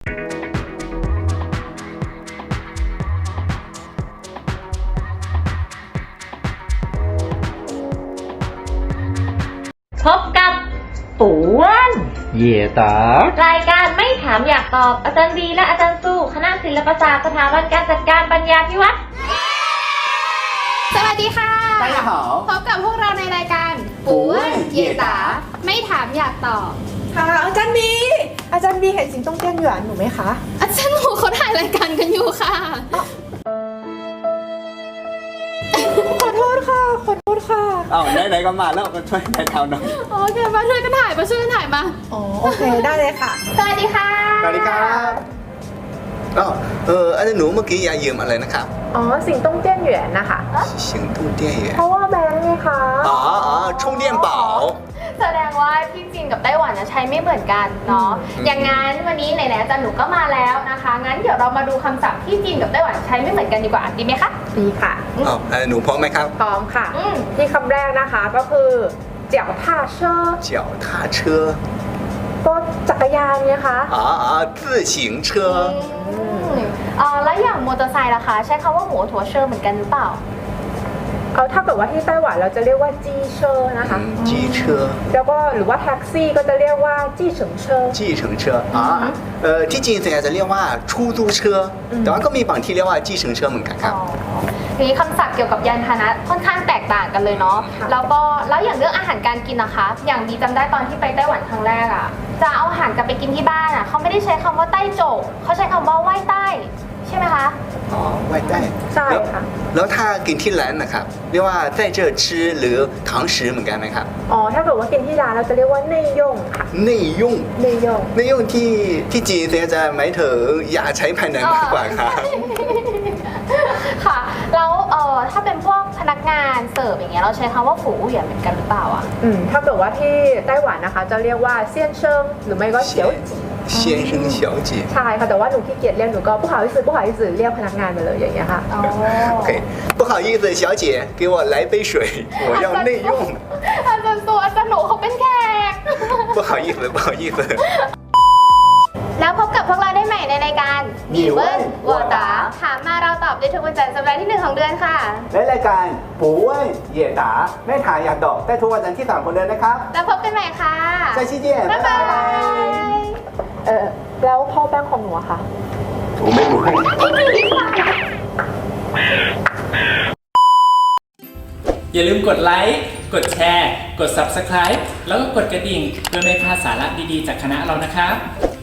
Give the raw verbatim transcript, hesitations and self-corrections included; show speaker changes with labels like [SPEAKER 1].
[SPEAKER 1] พบกับปูอ้วน
[SPEAKER 2] เหย่ตาร
[SPEAKER 1] ายการไม่ถามอยากตอบอาจารย์ดีและอาจารย์สู้คณะศิลปศาสตร์สถาบันการจัดการปัญญาพิวัตร
[SPEAKER 3] สวัสดีค่ะ
[SPEAKER 2] 大家好
[SPEAKER 3] พบกับพวกเราในรายการปูอ้วนเหย่ตาไม่ถามอยากตอบ
[SPEAKER 4] ค่ะอาจารย์บีอาจารย์บีเห็นสิงโตเตี้ยนหยวนหนูไหมคะ
[SPEAKER 3] อาจารย์หนูเขาถ่ายรายการกันอยู่ค่ะ
[SPEAKER 4] ขอโทษค่ะขอโทษค่ะ
[SPEAKER 2] อ้าวไหนๆก็มาแล้วก็ช่วยถ่ายทำหน่อย
[SPEAKER 3] โอเคมาช่วยกันถ่ายมาช่วยกันถ่ายมา
[SPEAKER 4] อ๋อโอเคได้เลยค่ะ
[SPEAKER 3] สวัสดีค่ะ
[SPEAKER 2] สวัสดีครับอ๋อเอออาจารย์หนูเมื่อกี้ยายยืมอะไรนะครับ
[SPEAKER 4] อ๋อสิงโตเตี้ยนหยวนนะคะ
[SPEAKER 2] สิงโตเตี้ยนหยวน
[SPEAKER 4] เพราะว่าแบงค์ไงคะ
[SPEAKER 2] อ๋ออ๋อ充电宝
[SPEAKER 1] แสดงว่าที่จีนกับไต้หวันใช้ไม่เหมือนกันเนาะอย่างงั้นวันนี้ไหนๆอาจารย์หนูก็มาแล้วนะคะงั้นเดี๋ยวเรามาดูคำศัพท์ที่จีนกับไต้หวันใช้ไม่เหมือนกันดีกว่าดีไหมคะ
[SPEAKER 4] ดีค่ะ
[SPEAKER 2] อ๋ออาจารย์หนูพร้อมไหมครับ
[SPEAKER 4] พร้อมค่ะที่คำแรกนะคะก็คือเจี๋ยวท่าเชอ
[SPEAKER 2] เจี๋ยวท่าเชอ
[SPEAKER 4] ก็จักรยานไงคะ
[SPEAKER 2] อ๋ออ๋อ自行车
[SPEAKER 1] อ๋อแล้วอย่างมอเตอร์ไซค์ล่ะคะใช้คำว่าหัวถัวเชอร์เหมือนกันหรือเปล่า
[SPEAKER 4] เอาถ้าเกิดว่าที่ไต้หวันเราจะเรียกว่าจี้เชอร์นะคะ
[SPEAKER 2] จี้เชอร์
[SPEAKER 4] แล้วก็หรือว่าแท็กซี่ก็จะเรียกว่าจี้เฉิงเชอร์
[SPEAKER 2] จี้เฉิงเชอร์อ๋อเออที่จีนส่วนใหญ่จะเรียกว่า出租车แต่ว่าก็มีบางที่เรียกว่าจี้เฉิงเชอร์เหมือนกันครับ
[SPEAKER 1] ทีนี้คำศัพท์เกี่ยวกับยานพาหนะค่อนข้างแตกต่างกันเลยเนาะแล้วก็แล้วอย่างเรื่องอาหารการกินนะคะอย่างบีจำได้ตอนที่ไปไต้หวันครั้งแรกอะจะเอาอาหารกลับไปกินที่บ้านอะเขาไม่ได้ใช้คำว่าไต้โจกเขาใช้คำว่าไหว้ใต้ใช่ไหมคะ
[SPEAKER 2] อ๋อไหว้ใต้
[SPEAKER 4] ใช่ค่ะ
[SPEAKER 2] แล้วถ้ากินที่ร้านนะครับเรียกว่า在这吃หรือ堂食เหมือนกันไหมครับ
[SPEAKER 4] อ๋อถ้าเกิดว่ากินที่ร้านเราจะเรียกว่าเนยย่งค่ะ
[SPEAKER 2] เนยย่ง
[SPEAKER 4] เนยย่ง
[SPEAKER 2] เนยย่งที่ที่จีนส่วนใหญ่จะหมายถึงอย่าใช้ภายในมากกว่าครับ
[SPEAKER 1] ค่ะแล้วเอ่อถ้าเป็นพวกพนักงานเสิร์ฟอย่างเงี้ยเราใช้คำว่าฝูเหวี่ยนเหมือนกันหรือเปล่าอ่ะ
[SPEAKER 4] อืมถ้าเกิดว่าที่ไต้หวันนะคะจะเรียกว่าเซียนเชิงหรือไม่ก็เฉียว
[SPEAKER 2] 先生小姐
[SPEAKER 4] ใช่ค่ะแต่ว่าหนูขี้เกียจเรียกหนูก็不好意思不好意思เรียกพนักงานไปเลยอย่างเงี้ยค่ะ
[SPEAKER 1] อ๋อ
[SPEAKER 2] โอเค不好意思小姐给我来杯水我要内用
[SPEAKER 1] อาจารย์ตัวอาจารย์หนูเขาเป็นแขก
[SPEAKER 2] 不好意思不好意思
[SPEAKER 1] แล้วพบกับพวกเราได้ใหม่ในรายการ
[SPEAKER 2] มีเวิร์นวอตา
[SPEAKER 1] ถามมาเราตอบได้ทุกวันจันทร์สัปดาห์ที่หนึ่งของเดือนค่ะ
[SPEAKER 2] และรายการปูเว่ยเหย่ตาไม่ถามอยากตอบได้ทุกวันจันทร์ที่สามของเดือนนะครับ
[SPEAKER 1] แล้วพบกันใหม่ค่ะ
[SPEAKER 2] 再见见
[SPEAKER 1] บ๊ายบาย
[SPEAKER 4] เออแล้วพ่อแป้งของหนูอะค่ะ
[SPEAKER 2] ผมไม่รู้ให้
[SPEAKER 5] อย่าลืมกดไลค์กดแชร์กด ซับสไครบ์ แล้วก็กดกระดิ่งเพื่อไม่พลาดสาระดีๆจากคณะเรานะครับ